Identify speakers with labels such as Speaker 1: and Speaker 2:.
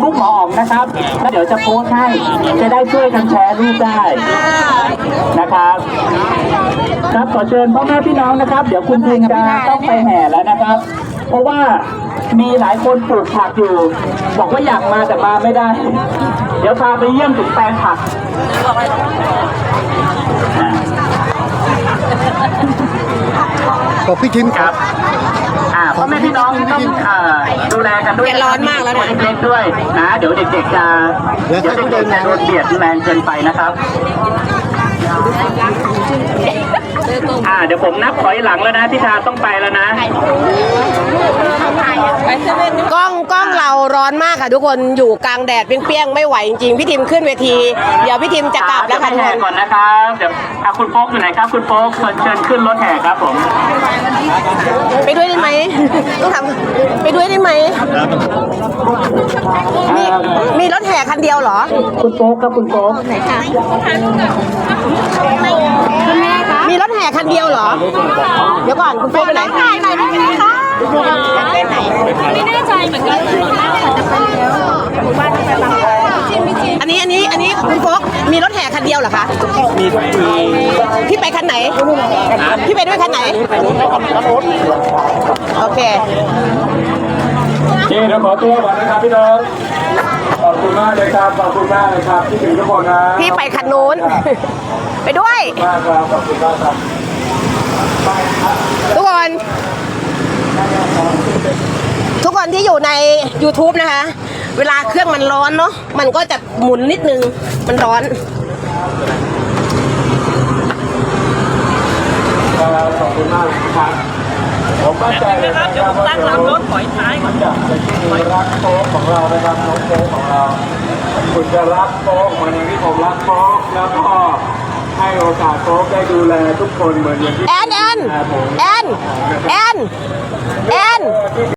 Speaker 1: ปหมออ๋องนะครับแล้วเดี๋ยวจะโพสต์ให้จะได้ช่วยกันแชร์รูปได้นะครับครับขอเชิญพ่อแม่พี่น้องนะครับเดี๋ยวคุณพิมจะต้องไปแห่แล้วนะครับ เพราะว่ามีหลายคนปลูกผักอยู่บอกว่าอยากมาแต่มาไม่ได้ เดี๋ยวพาไปเยี่ยมถึงแปลงผัก
Speaker 2: บอกพี่ทิมครับ
Speaker 1: พ่อแม่พี่น้องต้องดูแลกันด้วยร้อนมากแล้วเด็กๆด้วยนะเดี๋ยวเด็กๆจะโดนเบียดแรงเกินไปนะครับเดี๋ยวผมนับถอยหลังแล้วนะพี่ชาต้องไปแล้วนะ
Speaker 3: กล้องเราร้อนมากค่ะทุกคนอยู่กลางแดดเปรี้ยงๆไม่ไหวจริงๆพี่ทิมขึ้นเวทีเดี๋ยวพี่ทิมจะกลับแล้วค่ะทุกคน
Speaker 1: ก่อนนะครับเดี๋ยวคุณโป๊กอยู่ไหนครับคุณโป๊กเชิญขึ้นรถแห่ครับผม
Speaker 3: ไปด้วยได้ไหมต้องทำไปด้วยได้ไหมมีรถแห่คันเดียวเหรอ
Speaker 1: คุณโป๊กครับคุณโป๊ก
Speaker 3: ไหนคะมีรถแห่คันเดียวเหรอเดี๋ยวก่อนคุณโป๊กไปไหนถ่ายหน่อยได้ไหมคะไม่แน่ใจเหมือนกันอันนี้คุณโป๊กมีรถแห่คันเดียวเหรอคะ
Speaker 1: มี
Speaker 3: พี่ไปคันไหนพี่ไปด้วยคันไหนโอเค
Speaker 1: เดี๋ยวขอตัวก่อนนะครับพี่น้องขอบคุณมากเลยครับขอบคุณมากเลยครับที่ถึงทุกคนนะ
Speaker 3: พี่ไปคันนู้นไปด้วย
Speaker 1: มากครับขอบคุณมากครับ
Speaker 3: ทุกคนที่อยู่ใน YouTube นะคะเวลาเครื่องมันร้อนเนาะมันก็จะหมุนนิดนึงมันร้อน
Speaker 1: ขอบคุณมากครับผมมั่นใจเลยนะครับว่าจะรถถอยท้ายก่อนจะรักโต๊ะของเรานะครับน้องโต๊ะของเราคุณจะรักโต๊ะเหมือนอย่างที่ผมรักโต๊ะแล้วก็ให้โอกาสโต๊ะได้ดูแลทุกคนเหมือนอย่างที่
Speaker 3: แอน